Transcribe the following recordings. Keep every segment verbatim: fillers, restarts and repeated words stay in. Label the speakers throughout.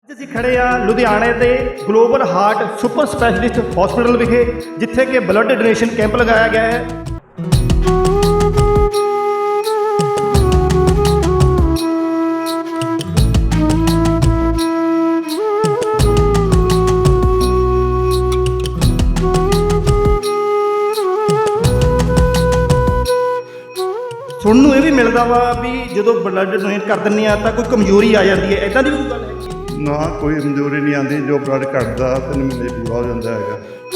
Speaker 1: ਅੱਜ ਅਸੀਂ ਖੜੇ ਆ ਲੁਧਿਆਣੇ ਦੇ global heart super specialist hospital ਵਿਖੇ, ਜਿੱਥੇ ਕਿ ਬਲੱਡ ਡੋਨੇਸ਼ਨ ਕੈਂਪ ਲਗਾਇਆ ਗਿਆ ਹੈ। ਸੁਣਨ ਨੂੰ ਇਹ ਵੀ ਮਿਲਦਾ ਵਾ ਵੀ ਜਦੋਂ ਬਲੱਡ ਡੋਨੇਟ ਕਰ ਦਿੰਦੇ ਆ ਤਾਂ ਕੋਈ ਕਮਜ਼ੋਰੀ ਆ ਜਾਂਦੀ ਹੈ, ਇਦਾਂ ਦੀ ਵੀ ਕੋਈ ਗੱਲ ਹੈ?
Speaker 2: ਨਾ, ਕੋਈ ਕਮਜ਼ੋਰੀ ਨਹੀਂ ਆਉਂਦੀ। ਜੋ ਬਲੱਡ ਘਟਦਾ ਤਿੰਨ ਮਹੀਨੇ ਪੂਰਾ ਹੋ ਜਾਂਦਾ ਹੈਗਾ।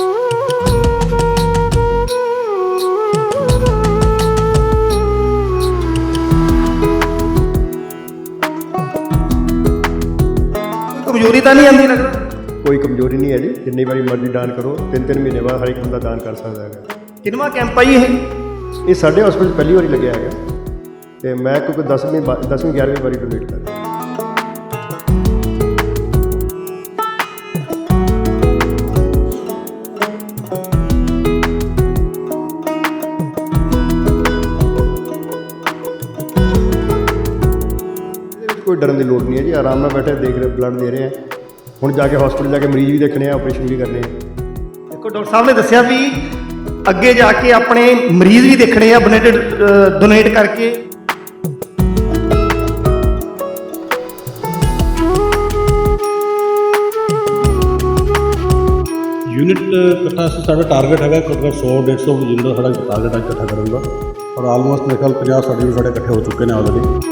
Speaker 1: ਕਮਜ਼ੋਰੀ ਤਾਂ ਨਹੀਂ ਆਉਂਦੀ ਲੱਗਦਾ?
Speaker 3: ਕੋਈ ਕਮਜ਼ੋਰੀ ਨਹੀਂ ਹੈ ਜੀ, ਜਿੰਨੀ ਵਾਰੀ ਮਰਜ਼ੀ ਦਾਨ ਕਰੋ। ਤਿੰਨ ਤਿੰਨ ਮਹੀਨੇ ਬਾਅਦ ਹਰ ਇੱਕ ਬੰਦਾ ਦਾਨ ਕਰ ਸਕਦਾ ਹੈਗਾ।
Speaker 1: ਕਿੰਨਵਾਂ ਕੈਂਪ ਆ ਜੀ ਇਹ?
Speaker 3: ਇਹ ਸਾਡੇ ਹਸਪੀਟਲ ਪਹਿਲੀ ਵਾਰੀ ਲੱਗਿਆ ਹੈਗਾ ਅਤੇ ਮੈਂ ਕਿਉਂਕਿ ਦਸਵੀਂ ਦਸਵੀਂ ਗਿਆਰਵੀਂ ਵਾਰੀ ਡੋਨੇਟ ਕਰ ਰਿਹਾ। ਕੋਈ ਡਰਨ ਦੀ ਲੋੜ ਨਹੀਂ ਹੈ ਜੀ, ਆਰਾਮ ਨਾਲ ਬੈਠੇ ਦੇਖ ਰਹੇ, ਬਲੱਡ ਦੇ ਰਹੇ ਆ। ਹੁਣ ਜਾ ਕੇ ਹਸਪੀਟਲ ਜਾ ਕੇ ਮਰੀਜ਼ ਵੀ ਦੇਖਣੇ ਆ, ਆਪਰੇਸ਼ਨ ਵੀ ਕਰਨੇ ਆ।
Speaker 1: ਦੇਖੋ, ਡਾਕਟਰ ਸਾਹਿਬ ਨੇ ਦੱਸਿਆ ਵੀ ਅੱਗੇ ਜਾ ਕੇ ਆਪਣੇ ਮਰੀਜ਼ ਵੀ ਦੇਖਣੇ ਆ ਬਲੱਡ ਡੋਨੇਟ ਕਰਕੇ।
Speaker 4: यूनिट इकट्ठा साढ़ा टारगेट है घट्टो सौ डेढ़ सौ यूनिट का साढ़ा टारगेट है इकट्ठा करने का, और आलमोस्ट मेरे ख्याल पचास साढ़े साढ़े इकट्ठे हो चुके हैं ऑलरेडी।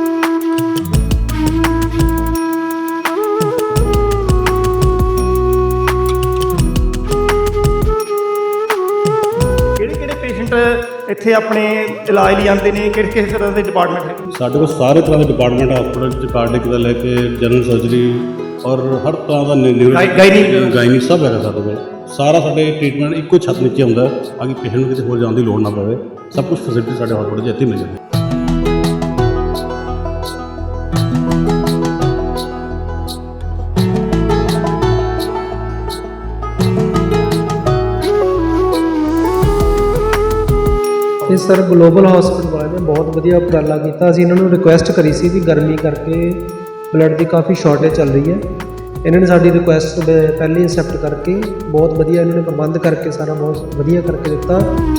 Speaker 1: ਇੱਥੇ ਆਪਣੇ ਇਲਾਜ ਲਈ ਆਉਂਦੇ ਨੇ? ਕਿਹੜੇ ਕਿਸ ਤਰ੍ਹਾਂ ਦੇ ਡਿਪਾਰਟਮੈਂਟ ਹੈ
Speaker 4: ਸਾਡੇ ਕੋਲ ਸਾਰੇ ਤਰ੍ਹਾਂ ਦੇ ਡਿਪਾਰਟਮੈਂਟ ਹਸਪੀਟਲ 'ਚ, ਕਾਰਡਿਕ ਦਾ ਲੈ ਕੇ ਜਨਰਲ ਸਰਜਰੀ ਔਰ ਹਰ ਤਰ੍ਹਾਂ ਦਾ
Speaker 1: ਗਾਇਨੀ
Speaker 4: ਗਾਇਨੀ ਸਭ ਹੈਗਾ ਸਾਡੇ ਕੋਲ। ਸਾਰਾ ਸਾਡੇ ਟ੍ਰੀਟਮੈਂਟ ਇੱਕੋ ਛੱਤ ਨੀਚੇ ਹੁੰਦਾ ਤਾਂ ਕਿ ਪੇਸ਼ੈਂਟ ਨੂੰ ਕਿਤੇ ਹੋਰ ਜਾਣ ਦੀ ਲੋੜ ਨਾ ਪਵੇ। ਸਭ ਕੁਝ ਫੈਸਿਲਿਟੀ ਸਾਡੇ ਹਸਪੀਟਲ 'ਚ ਇੱਥੇ ਮਿਲ ਜਾਂਦੀ।
Speaker 5: ਇਹ ਸਰ ਗਲੋਬਲ ਹਸਪੀਟਲ ਵਾਲਿਆਂ ਨੇ ਬਹੁਤ ਵਧੀਆ ਉਪਰਾਲਾ ਕੀਤਾ। ਅਸੀਂ ਇਹਨਾਂ ਨੂੰ ਰਿਕੁਐਸਟ ਕਰੀ ਸੀ ਕਿ ਗਰਮੀ ਕਰਕੇ ਬਲੱਡ ਦੀ ਕਾਫੀ ਸ਼ਾਰਟੇਜ ਚੱਲ ਰਹੀ ਹੈ। ਇਹਨਾਂ ਨੇ ਸਾਡੀ ਰਿਕੁਐਸਟ ਪਹਿਲੇ ਐਕਸੈਪਟ ਕਰਕੇ ਬਹੁਤ ਵਧੀਆ ਇਹਨਾਂ ਨੇ ਪ੍ਰਬੰਧ ਕਰਕੇ ਸਾਰਾ ਬਹੁਤ ਵਧੀਆ ਕਰਕੇ ਦਿੱਤਾ।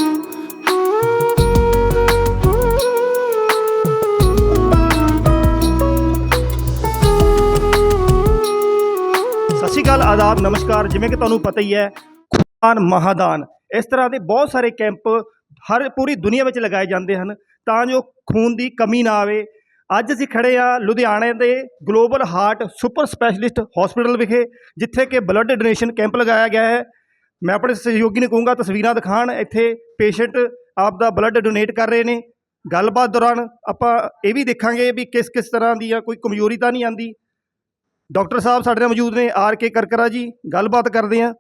Speaker 1: ਸਤਿ ਸ਼੍ਰੀ ਅਕਾਲ, ਆਦਾਬ, ਨਮਸਕਾਰ। ਜਿਵੇਂ ਕਿ ਤੁਹਾਨੂੰ ਪਤਾ ਹੀ ਹੈ, ਖੂਨਦਾਨ ਮਹਾਦਾਨ ਇਸ ਤਰ੍ਹਾਂ ਦੇ ਬਹੁਤ ਸਾਰੇ ਕੈਂਪ ਹਰ ਪੂਰੀ ਦੁਨੀਆ ਵਿੱਚ ਲਗਾਏ ਜਾਂਦੇ ਹਨ ਤਾਂ ਜੋ ਖੂਨ ਦੀ ਕਮੀ ਨਾ ਆਵੇ। ਅੱਜ ਅਸੀਂ ਖੜੇ ਆ ਲੁਧਿਆਣੇ ਦੇ global heart super specialist hospital ਵਿਖੇ, ਜਿੱਥੇ ਕਿ ਬਲੱਡ ਡੋਨੇਸ਼ਨ ਕੈਂਪ ਲਗਾਇਆ ਗਿਆ ਹੈ। ਮੈਂ ਆਪਣੇ ਸਹਿਯੋਗੀ ਨੂੰ ਕਹੂੰਗਾ ਤਸਵੀਰਾਂ ਦਿਖਾਉਣ। ਇੱਥੇ ਪੇਸ਼ੈਂਟ ਆਪ ਦਾ ਬਲੱਡ ਡੋਨੇਟ ਕਰ ਰਹੇ ਨੇ। ਗੱਲਬਾਤ ਦੌਰਾਨ ਆਪਾਂ ਇਹ ਵੀ ਦੇਖਾਂਗੇ ਵੀ ਕਿਸ ਕਿਸ ਤਰ੍ਹਾਂ ਦੀ ਆ, ਕੋਈ ਕਮਜ਼ੋਰੀ ਤਾਂ ਨਹੀਂ ਆਉਂਦੀ। ਡਾਕਟਰ ਸਾਹਿਬ ਸਾਡੇ ਨਾਲ ਮੌਜੂਦ ਨੇ, ਆਰ ਕੇ ਕਰਕਰਾ ਜੀ। ਗੱਲਬਾਤ ਕਰਦੇ ਹਾਂ।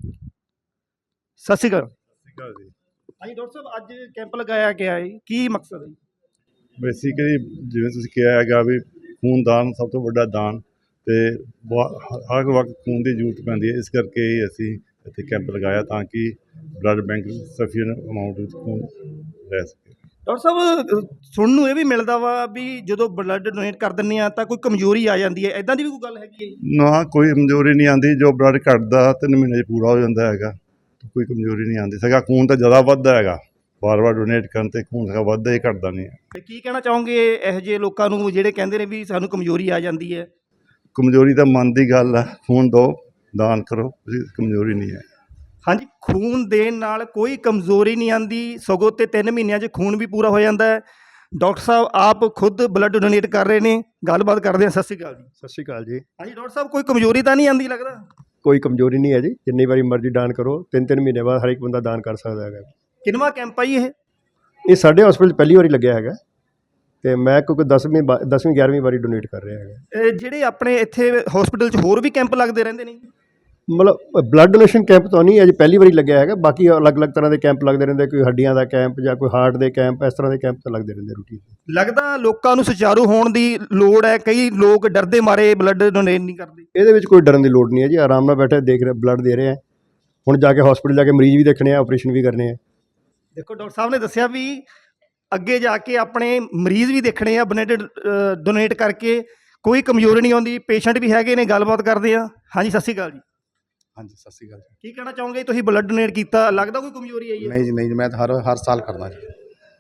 Speaker 1: ਸਤਿ ਸ਼੍ਰੀ ਅਕਾਲ। ਹਾਂਜੀ ਡਾਕਟਰ ਸਾਹਿਬ, ਅੱਜ ਕੈਂਪ ਲਗਾਇਆ ਗਿਆ ਹੈ, ਕੀ ਮਕਸਦ ਹੈ?
Speaker 2: ਬੇਸਿਕਲੀ ਜਿਵੇਂ ਤੁਸੀਂ ਕਿਹਾ ਹੈਗਾ ਵੀ ਖੂਨਦਾਨ ਸਭ ਤੋਂ ਵੱਡਾ ਦਾਨ, ਅਤੇ ਹਰ ਵਕਤ ਖੂਨ ਦੀ ਜ਼ਰੂਰਤ ਪੈਂਦੀ ਹੈ। ਇਸ ਕਰਕੇ ਹੀ ਅਸੀਂ ਇੱਥੇ ਕੈਂਪ ਲਗਾਇਆ ਤਾਂ ਕਿ ਬਲੱਡ ਬੈਂਕ ਸਫੀਸ਼ੀਐਂਟ ਅਮਾਊਂਟ ਵਿੱਚ ਖੂਨ ਰਹਿ ਸਕੇ।
Speaker 1: ਡਾਕਟਰ ਸਾਹਿਬ, ਸੁਣਨ ਨੂੰ ਇਹ ਵੀ ਮਿਲਦਾ ਵਾ ਵੀ ਜਦੋਂ ਬਲੱਡ ਡੋਨੇਟ ਕਰ ਦਿੰਦੇ ਆ ਤਾਂ ਕੋਈ ਕਮਜ਼ੋਰੀ ਆ ਜਾਂਦੀ ਹੈ, ਇਦਾਂ ਦੀ ਵੀ ਕੋਈ ਗੱਲ ਹੈਗੀ ਹੈ?
Speaker 2: ਨਾ, ਕੋਈ ਕਮਜ਼ੋਰੀ ਨਹੀਂ ਆਉਂਦੀ। ਜੋ ਬਲੱਡ ਘਟਦਾ ਤਿੰਨ ਮਹੀਨੇ 'ਚ ਪੂਰਾ ਹੋ ਜਾਂਦਾ ਹੈਗਾ। ਕੋਈ ਕਮਜ਼ੋਰੀ ਨਹੀਂ ਆਉਂਦੀ। ਸਗਾ ਖੂਨ ਤਾਂ ਜ਼ਿਆਦਾ ਵੱਧਦਾ ਹੈਗਾ, ਵਾਰ ਵਾਰ ਡੋਨੇਟ ਕਰਨ 'ਤੇ ਖੂਨ ਸਗਾ ਵੱਧਦਾ ਹੀ, ਘਟਦਾ ਨਹੀਂ ਹੈ।
Speaker 1: ਅਤੇ ਕੀ ਕਹਿਣਾ ਚਾਹੋਗੇ ਇਹੋ ਜਿਹੇ ਲੋਕਾਂ ਨੂੰ ਜਿਹੜੇ ਕਹਿੰਦੇ ਨੇ ਵੀ ਸਾਨੂੰ ਕਮਜ਼ੋਰੀ ਆ ਜਾਂਦੀ ਹੈ?
Speaker 2: ਕਮਜ਼ੋਰੀ ਤਾਂ ਮਨ ਦੀ ਗੱਲ ਹੈ। ਖੂਨ ਦਿਓ, ਦਾਨ ਕਰੋ, ਤੁਸੀਂ ਕਮਜ਼ੋਰੀ ਨਹੀਂ ਹੈ।
Speaker 1: ਹਾਂਜੀ, ਖੂਨ ਦੇਣ ਨਾਲ ਕੋਈ ਕਮਜ਼ੋਰੀ ਨਹੀਂ ਆਉਂਦੀ, ਸਗੋਂ ਤੇ ਤਿੰਨ ਮਹੀਨਿਆਂ 'ਚ ਖੂਨ ਵੀ ਪੂਰਾ ਹੋ ਜਾਂਦਾ ਹੈ। ਡਾਕਟਰ ਸਾਹਿਬ ਆਪ ਖੁਦ ਬਲੱਡ ਡੋਨੇਟ ਕਰ ਰਹੇ ਨੇ। ਗੱਲਬਾਤ ਕਰਦੇ ਹਾਂ। ਸਤਿ ਸ਼੍ਰੀ ਅਕਾਲ ਜੀ।
Speaker 3: ਸਤਿ ਸ਼੍ਰੀ ਅਕਾਲ ਜੀ।
Speaker 1: ਹਾਂਜੀ ਡਾਕਟਰ ਸਾਹਿਬ, ਕੋਈ ਕਮਜ਼ੋਰੀ ਤਾਂ ਨਹੀਂ ਆਉਂਦੀ ਲੱਗਦਾ?
Speaker 3: ਕੋਈ ਕਮਜ਼ੋਰੀ ਨਹੀਂ ਹੈ ਜੀ, ਜਿੰਨੀ ਵਾਰੀ ਮਰਜ਼ੀ ਦਾਨ ਕਰੋ। ਤਿੰਨ ਤਿੰਨ ਮਹੀਨੇ ਬਾਅਦ ਹਰ ਇੱਕ ਬੰਦਾ ਦਾਨ ਕਰ ਸਕਦਾ ਹੈਗਾ।
Speaker 1: ਕਿੰਨਵਾਂ ਕੈਂਪ ਆ ਜੀ ਇਹ?
Speaker 3: ਇਹ ਸਾਡੇ ਹਸਪੀਟਲ ਪਹਿਲੀ ਵਾਰੀ ਲੱਗਿਆ ਹੈਗਾ ਅਤੇ ਮੈਂ ਕਿਉਂਕਿ ਦਸਵੀਂ ਦਸਵੀਂ ਗਿਆਰਵੀਂ ਵਾਰੀ ਡੋਨੇਟ ਕਰ ਰਿਹਾ ਹੈਗਾ।
Speaker 1: ਇਹ ਜਿਹੜੇ ਆਪਣੇ ਇੱਥੇ ਹਸਪੀਟਲ 'ਚ ਹੋਰ ਵੀ ਕੈਂਪ ਲੱਗਦੇ ਰਹਿੰਦੇ ਨੇ?
Speaker 3: ਮਤਲਬ ਬਲੱਡ ਡੋਨੇਸ਼ਨ ਕੈਂਪ ਤਾਂ ਨਹੀਂ ਅਜੇ ਪਹਿਲੀ ਵਾਰੀ ਲੱਗਿਆ ਹੈਗਾ। ਬਾਕੀ ਅਲੱਗ-ਅਲੱਗ ਤਰ੍ਹਾਂ ਦੇ ਕੈਂਪ ਲੱਗਦੇ ਰਹਿੰਦੇ, ਕੋਈ ਹੱਡੀਆਂ ਦਾ ਕੈਂਪ ਜਾਂ ਕੋਈ ਹਾਰਟ ਦੇ ਕੈਂਪ, ਇਸ ਤਰ੍ਹਾਂ ਦੇ ਕੈਂਪ ਤਾਂ ਲੱਗਦੇ ਰਹਿੰਦੇ ਰੂਟੀਨ।
Speaker 1: ਲੱਗਦਾ ਲੋਕਾਂ ਨੂੰ ਸੁਚਾਰੂ ਹੋਣ ਦੀ ਲੋੜ ਹੈ। ਕਈ ਲੋਕ ਡਰਦੇ ਮਾਰੇ ਬਲੱਡ ਡੋਨੇਟ ਨਹੀਂ ਕਰਦੇ।
Speaker 3: ਇਹਦੇ ਵਿੱਚ ਕੋਈ ਡਰਨ ਦੀ ਲੋੜ ਨਹੀਂ ਹੈ ਜੀ, ਆਰਾਮ ਨਾਲ ਬੈਠੇ ਦੇਖ ਰਹੇ, ਬਲੱਡ ਦੇ ਰਹੇ ਆ। ਹੁਣ ਜਾ ਕੇ ਹਸਪੀਟਲ ਜਾ ਕੇ ਮਰੀਜ਼ ਵੀ ਦੇਖਣੇ ਆ, ਆਪਰੇਸ਼ਨ ਵੀ ਕਰਨੇ ਆ।
Speaker 1: ਦੇਖੋ, ਡਾਕਟਰ ਸਾਹਿਬ ਨੇ ਦੱਸਿਆ ਵੀ ਅੱਗੇ ਜਾ ਕੇ ਆਪਣੇ ਮਰੀਜ਼ ਵੀ ਦੇਖਣੇ ਆ ਬਲੱਡ ਡੋਨੇਟ ਕਰਕੇ। ਕੋਈ ਕਮਜ਼ੋਰੀ ਨਹੀਂ ਆਉਂਦੀ, ਪੇਸ਼ੈਂਟ ਵੀ ਹੈਗੇ ਨੇ, ਗੱਲਬਾਤ ਕਰਦੇ ਆ। ਹਾਂਜੀ, ਸਤਿ ਸ਼੍ਰੀ ਅਕਾਲ ਜੀ।
Speaker 6: ਹਾਂਜੀ ਸਤਿ ਸ਼੍ਰੀ ਅਕਾਲ ਜੀ।
Speaker 1: ਕੀ ਕਹਿਣਾ ਚਾਹੋਗੇ, ਤੁਸੀਂ ਬਲੱਡ ਡੋਨੇਟ ਕੀਤਾ, ਲੱਗਦਾ ਕੋਈ ਕਮਜ਼ੋਰੀ ਆਈ ਹੈ?
Speaker 6: ਨਹੀਂ ਜੀ ਨਹੀਂ ਜੀ, ਮੈਂ ਤਾਂ ਹਰ ਹਰ ਸਾਲ ਕਰਦਾ ਜੀ।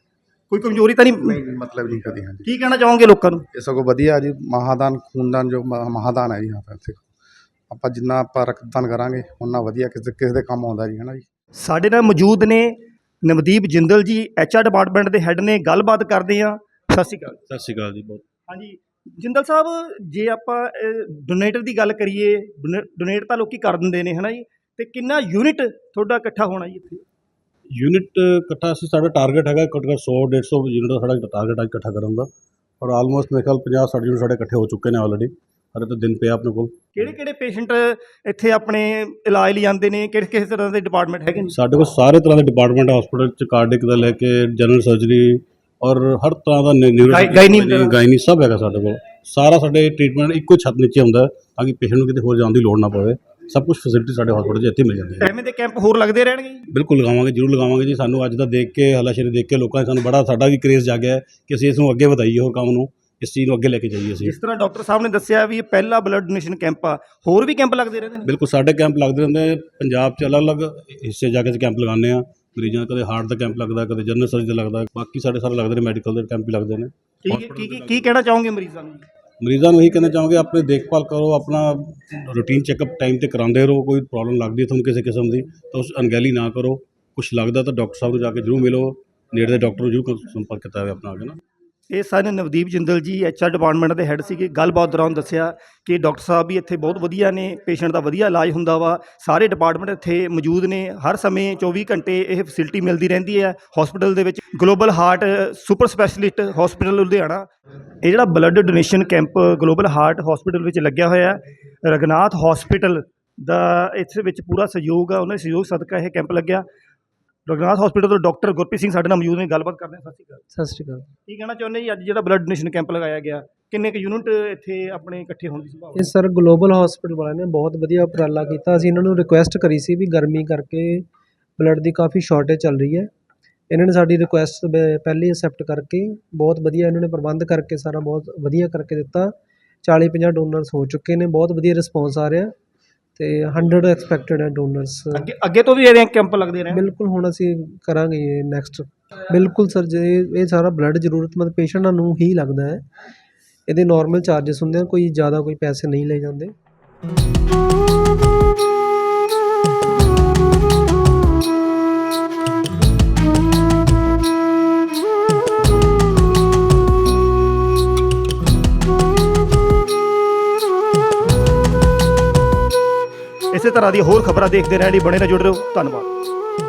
Speaker 1: ਕੋਈ ਕਮਜ਼ੋਰੀ ਤਾਂ ਨਹੀਂ?
Speaker 6: ਨਹੀਂ ਜੀ, ਮਤਲਬ ਨਹੀਂ ਕਦੀ। ਹਾਂਜੀ,
Speaker 1: ਕੀ ਕਹਿਣਾ ਚਾਹੋਗੇ ਲੋਕਾਂ ਨੂੰ?
Speaker 6: ਇਹ ਸਗੋਂ ਵਧੀਆ ਜੀ। ਮਹਾਦਾਨ ਖੂਨਦਾਨ ਜੋ ਮ- ਮਹਾਦਾਨ ਹੈ ਜੀ। ਹਾਂ, ਇੱਥੇ ਆਪਾਂ ਜਿੰਨਾ ਆਪਾਂ ਰਕਤਦਾਨ ਕਰਾਂਗੇ ਉਨਾ ਵਧੀਆ ਕਿਸੇ ਕਿਸੇ ਦੇ ਕੰਮ ਆਉਂਦਾ ਜੀ, ਹੈ ਨਾ ਜੀ।
Speaker 1: ਸਾਡੇ ਨਾਲ ਮੌਜੂਦ ਨੇ Navdeep Jindal ji, H R department ਦੇ ਹੈੱਡ ਨੇ, ਗੱਲਬਾਤ ਕਰਦੇ ਆ। ਸਤਿ ਸ਼੍ਰੀ ਅਕਾਲ।
Speaker 4: ਸਤਿ ਸ਼੍ਰੀ ਅਕਾਲ ਜੀ। ਬਹੁਤ
Speaker 1: ਹਾਂਜੀ ਜਿੰਦਲ ਸਾਹਿਬ, ਜੇ ਆਪਾਂ ਡੋਨੇਟਰ ਦੀ ਗੱਲ ਕਰੀਏ, ਡੋਨੇਟ ਤਾਂ ਲੋਕੀ ਕਰ ਦਿੰਦੇ ਨੇ, ਹੈ ਨਾ ਜੀ, ਤੇ ਕਿੰਨਾ ਯੂਨਿਟ ਤੁਹਾਡਾ ਇਕੱਠਾ ਹੋਣਾ ਜੀ ਇੱਥੇ?
Speaker 4: ਯੂਨਿਟ ਇਕੱਠਾ ਅਸੀਂ ਸਾਡਾ ਟਾਰਗੇਟ ਹੈਗਾ ਘੱਟੋ ਘੱਟ ਸੌ ਡੇਢ ਸੌ ਯੂਨਿਟ ਦਾ ਸਾਡਾ ਟਾਰਗੇਟ ਹੈ ਇਕੱਠਾ ਕਰਨ ਦਾ, ਔਰ ਆਲਮੋਸਟ ਮੇਰੇ ਖਿਆਲ ਪੰਜਾਹ ਸੱਠ ਯੂਨਿਟ ਸਾਡੇ ਇਕੱਠੇ ਹੋ ਚੁੱਕੇ ਨੇ ਆਲਰੇਡੀ। ਹਰੇ ਤਾਂ ਦਿਨ ਪਿਆ ਆਪਣੇ ਕੋਲ।
Speaker 1: ਕਿਹੜੇ ਕਿਹੜੇ ਪੇਸ਼ੈਂਟ ਇੱਥੇ ਆਪਣੇ ਇਲਾਜ ਲਈ ਆਉਂਦੇ ਨੇ, ਕਿਹੜੇ ਕਿਸ ਤਰ੍ਹਾਂ ਦੇ ਡਿਪਾਰਟਮੈਂਟ ਹੈਗੇ ਨੇ?
Speaker 4: ਸਾਡੇ ਕੋਲ ਸਾਰੇ ਤਰ੍ਹਾਂ ਦੇ ਡਿਪਾਰਟਮੈਂਟ ਹਸਪੀਟਲ ਚ, ਕਾਰਡਿਕ ਦਾ ਲੈ ਕੇ ਜਨਰਲ ਸਰਜਰੀ ਔਰ ਹਰ ਤਰ੍ਹਾਂ ਦਾ ਨਿਊਰੋ
Speaker 1: ਗਾਇਨੀ ਵਗੈਰਾ?
Speaker 4: ਗਾਇਨੀ ਸਭ ਹੈਗਾ ਸਾਡੇ ਕੋਲ। ਸਾਰਾ ਸਾਡੇ ਟ੍ਰੀਟਮੈਂਟ ਇੱਕੋ ਛੱਤ ਨੀਚੇ ਹੁੰਦਾ ਤਾਂ ਕਿ ਪੇਸ਼ੈਂਟ ਨੂੰ ਕਿਤੇ ਹੋਰ ਜਾਣ ਦੀ ਲੋੜ ਨਾ ਪਵੇ। ਸਭ ਕੁਝ ਫੈਸਿਲਿਟੀ ਸਾਡੇ ਹਸਪੀਟਲ 'ਚ ਇੱਥੇ ਮਿਲ ਜਾਂਦੀ ਹੈ।
Speaker 1: ਐਵੇਂ ਦੇ ਕੈਂਪ ਹੋਰ ਲੱਗਦੇ ਰਹਿਣਗੇ ਜੀ?
Speaker 4: ਬਿਲਕੁਲ ਲਗਾਵਾਂਗੇ, ਜ਼ਰੂਰ ਲਗਾਵਾਂਗੇ ਜੀ। ਸਾਨੂੰ ਅੱਜ ਦਾ ਦੇਖ ਕੇ, ਹੱਲਾਸ਼ੇਰੀ ਦੇਖ ਕੇ ਲੋਕਾਂ ਨੇ ਸਾਨੂੰ ਬੜਾ, ਸਾਡਾ ਵੀ ਕਰੇਜ਼ ਜਾਗਿਆ ਹੈ ਕਿ ਅਸੀਂ ਇਸ ਨੂੰ ਅੱਗੇ ਵਧਾਈਏ, ਹੋਰ ਕੰਮ ਨੂੰ, ਇਸ ਚੀਜ਼ ਨੂੰ ਅੱਗੇ ਲੈ ਕੇ ਜਾਈਏ ਅਸੀਂ।
Speaker 1: ਜਿਸ ਤਰ੍ਹਾਂ ਡਾਕਟਰ ਸਾਹਿਬ ਨੇ ਦੱਸਿਆ ਵੀ ਇਹ ਪਹਿਲਾ ਬਲੱਡ ਡੋਨੇਸ਼ਨ ਕੈਂਪ ਆ, ਹੋਰ ਵੀ ਕੈਂਪ ਲੱਗਦੇ ਰਹਿੰਦੇ ਨੇ?
Speaker 4: ਬਿਲਕੁਲ ਸਾਡੇ ਕੈਂਪ ਲੱਗਦੇ ਰਹਿੰਦੇ ਨੇ ਪੰਜਾਬ 'ਚ, ਅਲੱਗ-ਅਲੱਗ ਹਿੱਸੇ ਜਾ ਕੇ ਅਸੀਂ ਕੈਂਪ ਲਗਾਉਂਦੇ ਹਾਂ। ਮਰੀਜ਼ਾਂ ਦਾ ਕਦੇ ਹਾਰਟ ਦਾ ਕੈਂਪ ਲੱਗਦਾ, ਕਦੇ ਜਨਰਲ ਸਰਜਰੀ ਦਾ ਲੱਗਦਾ, ਬਾਕੀ ਸਾਡੇ ਸਾਰੇ ਲੱਗਦੇ ਨੇ, ਮੈਡੀਕਲ ਦੇ ਕੈਂਪ ਵੀ ਲੱਗਦੇ ਨੇ।
Speaker 1: ਕੀ ਕੀ ਕੀ ਕੀ ਕਹਿਣਾ ਚਾਹੋਗੇ ਮਰੀਜ਼ਾਂ ਨੂੰ?
Speaker 4: ਮਰੀਜ਼ਾਂ ਨੂੰ ਇਹੀ ਕਹਿਣਾ ਚਾਹਾਂਗੇ, ਆਪਣੀ ਦੇਖਭਾਲ ਕਰੋ, ਆਪਣਾ ਰੂਟੀਨ ਚੈੱਕਅਪ ਟਾਈਮ ਤੇ ਕਰਾਉਂਦੇ ਰਹੋ। ਕੋਈ ਪ੍ਰੋਬਲਮ ਲੱਗਦੀ ਹੈ ਤੁਹਾਨੂੰ ਕਿਸੇ ਕਿਸਮ ਦੀ ਤਾਂ ਉਸ ਅਣਗਹਿਲੀ ਨਾ ਕਰੋ। ਕੁਛ ਲੱਗਦਾ ਤਾਂ ਡਾਕਟਰ ਸਾਹਿਬ ਨੂੰ ਜਾ ਕੇ ਜ਼ਰੂਰ ਮਿਲੋ, ਨੇੜੇ ਦੇ ਡਾਕਟਰ ਨੂੰ ਜ਼ਰੂਰ ਸੰਪਰਕ ਕੀਤਾ ਹੋਵੇ ਆਪਣਾ ਆ ਕੇ ਨਾ।
Speaker 1: ਇਹ ਸਨ Navdeep Jindal ji, H R department ਦੇ ਹੈੱਡ ਸੀਗੇ। ਗੱਲਬਾਤ ਦੌਰਾਨ ਦੱਸਿਆ ਕਿ ਡਾਕਟਰ ਸਾਹਿਬ ਵੀ ਇੱਥੇ ਬਹੁਤ ਵਧੀਆ ਨੇ, ਪੇਸ਼ੈਂਟ ਦਾ ਵਧੀਆ ਇਲਾਜ ਹੁੰਦਾ ਵਾ। ਸਾਰੇ ਡਿਪਾਰਟਮੈਂਟ ਇੱਥੇ ਮੌਜੂਦ ਨੇ, ਹਰ ਸਮੇਂ ਚੌਵੀ ਘੰਟੇ ਇਹ ਫੈਸਿਲਿਟੀ ਮਿਲਦੀ ਰਹਿੰਦੀ ਹੈ ਹਸਪੀਟਲ ਦੇ ਵਿੱਚ। Global heart super specialist hospital Ludhiana, ਇਹ ਜਿਹੜਾ blood donation camp global heart hospital ਵਿੱਚ ਲੱਗਿਆ ਹੋਇਆ ਹੈ। ਰਘਨਾਥ ਹਸਪੀਟਲ ਦਾ ਇਸ ਵਿੱਚ ਪੂਰਾ ਸਹਿਯੋਗ ਆ, ਉਹਨਾਂ ਦੇ ਸਹਿਯੋਗ ਸਦਕਾ ਇਹ ਕੈਂਪ ਲੱਗਿਆ। ਰਘਨਾਥ ਹਸਪੀਟਲ ਤੋਂ ਡਾਕਟਰ ਗੁਰਪ੍ਰੀਤ ਸਿੰਘ ਸਾਡੇ ਨਾਲ ਮੌਜੂਦ ਨੇ, ਗੱਲਬਾਤ ਕਰਦੇ ਹਾਂ। ਸਤਿ ਸ਼੍ਰੀ ਅਕਾਲ।
Speaker 5: ਸਤਿ ਸ਼੍ਰੀ ਅਕਾਲ।
Speaker 1: ਕੀ ਕਹਿਣਾ ਚਾਹੁੰਦੇ ਜੀ, ਅੱਜ ਜਿਹੜਾ ਬਲੱਡ ਡੋਨੇਸ਼ਨ ਕੈਂਪ ਲਗਾਇਆ ਗਿਆ, ਕਿੰਨੇ ਕੁ ਯੂਨਿਟ ਇੱਥੇ ਆਪਣੇ ਇਕੱਠੇ ਹੋਣ ਦੀ ਸੰਭਾਵਨਾ?
Speaker 5: ਇਹ ਸਰ ਗਲੋਬਲ ਹਸਪੀਟਲ ਵਾਲਿਆਂ ਨੇ ਬਹੁਤ ਵਧੀਆ ਉਪਰਾਲਾ ਕੀਤਾ। ਅਸੀਂ ਇਹਨਾਂ ਨੂੰ ਰਿਕੁਐਸਟ ਕਰੀ ਸੀ ਵੀ ਗਰਮੀ ਕਰਕੇ ਬਲੱਡ ਦੀ ਕਾਫੀ ਸ਼ਾਰਟੇਜ ਚੱਲ ਰਹੀ ਹੈ। ਇਹਨਾਂ ਨੇ ਸਾਡੀ ਰਿਕੁਐਸਟ ਪਹਿਲੇ ਹੀ ਅਸੈਪਟ ਕਰਕੇ ਬਹੁਤ ਵਧੀਆ ਇਹਨਾਂ ਨੇ ਪ੍ਰਬੰਧ ਕਰਕੇ ਸਾਰਾ ਬਹੁਤ ਵਧੀਆ ਕਰਕੇ ਦਿੱਤਾ। ਚਾਲੀ ਪੰਜਾਹ ਡੋਨਰਸ ਹੋ ਚੁੱਕੇ ਨੇ, ਬਹੁਤ ਵਧੀਆ ਰਿਸਪੌਂਸ ਆ ਰਿਹਾ ਤੇ ਹੰਡਰਡ ਐਕਸਪੈਕਟਡ ਹੈ ਡੋਨਰਸ।
Speaker 1: ਅੱਗੇ ਅੱਗੇ ਤੋਂ ਵੀ ਇਹਦੇ ਕੈਂਪ ਲੱਗਦੇ ਰਹੇ?
Speaker 5: ਬਿਲਕੁਲ, ਹੁਣ ਅਸੀਂ ਕਰਾਂਗੇ ਇਹ ਨੈਕਸਟ। ਬਿਲਕੁਲ ਸਰ, ਜੇ ਇਹ ਸਾਰਾ ਬਲੱਡ ਜ਼ਰੂਰਤਮੰਦ ਪੇਸ਼ੈਂਟਾਂ ਨੂੰ ਹੀ ਲੱਗਦਾ ਹੈ। ਇਹਦੇ ਨਾਰਮਲ ਚਾਰजेस ਹੁੰਦੇ ਆ, ਕੋਈ ਜ਼ਿਆਦਾ ਕੋਈ ਪੈਸੇ ਨਹੀਂ ਲਏ ਜਾਂਦੇ।
Speaker 1: ਇਸੇ ਤਰ੍ਹਾਂ ਦੀ ਹੋਰ ਖਬਰਾਂ ਦੇਖਦੇ ਰਹਿਣ ਲਈ ਬਣੇ ਰਹੋ, ਜੁੜੇ ਰਹੋ। ਧੰਨਵਾਦ।